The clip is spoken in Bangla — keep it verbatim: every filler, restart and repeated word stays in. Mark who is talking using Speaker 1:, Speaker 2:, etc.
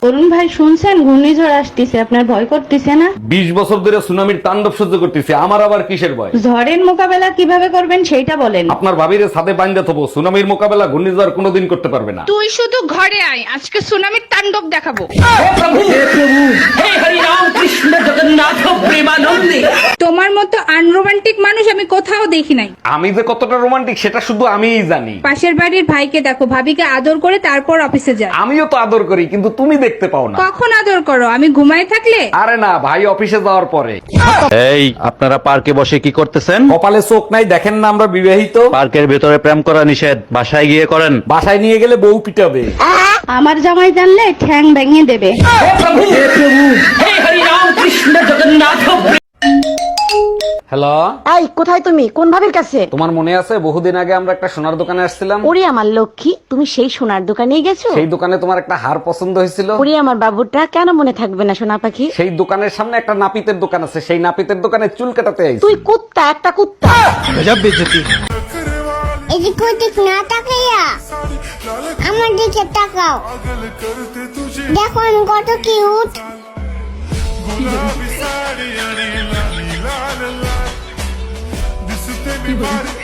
Speaker 1: অরুণ ভাই শুনছেন ঘূর্ণিঝড় আসতেছে, আপনার ভয় করতেছে না?
Speaker 2: বিশ বছর ধরে সুনামির তাণ্ডব সহ্য করতেছি, আমার আবার কিসের ভয়?
Speaker 1: ঝড়ের মোকাবেলা কিভাবে করবেন সেইটা বলেন।
Speaker 2: আপনার ভাবিরে ছাদে বাইন্ধা থবো, সুনামির মোকাবেলা ঘূর্ণিঝড় কোনোদিন করতে পারবে না।
Speaker 3: তুই শুধু ঘরে আয়, আজকে সুনামির তাণ্ডব দেখাবো। তোমার মতো আনরোমান্টিক মানুষ আমি কোথাও দেখি নাই।
Speaker 2: আমি যে কতটা রোমান্টিক সেটা শুধু আমিই জানি।
Speaker 3: পাশের বাড়ির ভাইকে দেখো, ভাবিকে আদর করে তারপর অফিসে যায়।
Speaker 2: আমিও তো আদর করি, কিন্তু তুমি দেখতে পাও না।
Speaker 3: কখন আদর করো? আমি ঘুমায় থাকলে?
Speaker 2: আরে না, ভাই অফিসে যাওয়ার পরে।
Speaker 4: এই আপনারা পার্কে বসে কি করতেছেন?
Speaker 2: কপালে চোখ নাই, দেখেন না আমরা বিবাহিত।
Speaker 4: পার্কের ভেতরে প্রেম করা নিষেধ, বাসায় গিয়ে করেন।
Speaker 2: বাসায় নিয়ে গেলে বউ পিটাবে।
Speaker 1: আমার জামাই জানলে ঠ্যাং ভেঙে দেবে।
Speaker 2: হ্যালো,
Speaker 5: এই কোথায় তুমি? কোন ভাবির কাছে?
Speaker 2: তোমার মনে আছে বহুদিন আগে আমরা একটা সোনার দোকানে আসছিলাম?
Speaker 5: ওরে আমার লক্ষ্মী, তুমি সেই সোনার দোকানেই গেছো?
Speaker 2: সেই দোকানে তোমার একটা হার পছন্দ হয়েছিল।
Speaker 5: ওরে আমার বাবুটা, কেন মনে থাকবে না সোনা পাখি?
Speaker 2: সেই দোকানের সামনে একটা নাপিতের দোকান আছে, সেই নাপিতের দোকানে চুল কাটাতে আইছি।
Speaker 5: তুই কুত্তা, একটা কুত্তা।
Speaker 6: এদিক ওদিক না তাকাইয়া আমার দিকে তাকাও, দেখো আমি কত কিউট।
Speaker 7: गुलाबी साड़ी आणि लाली लाल लाल दिसते मी भारी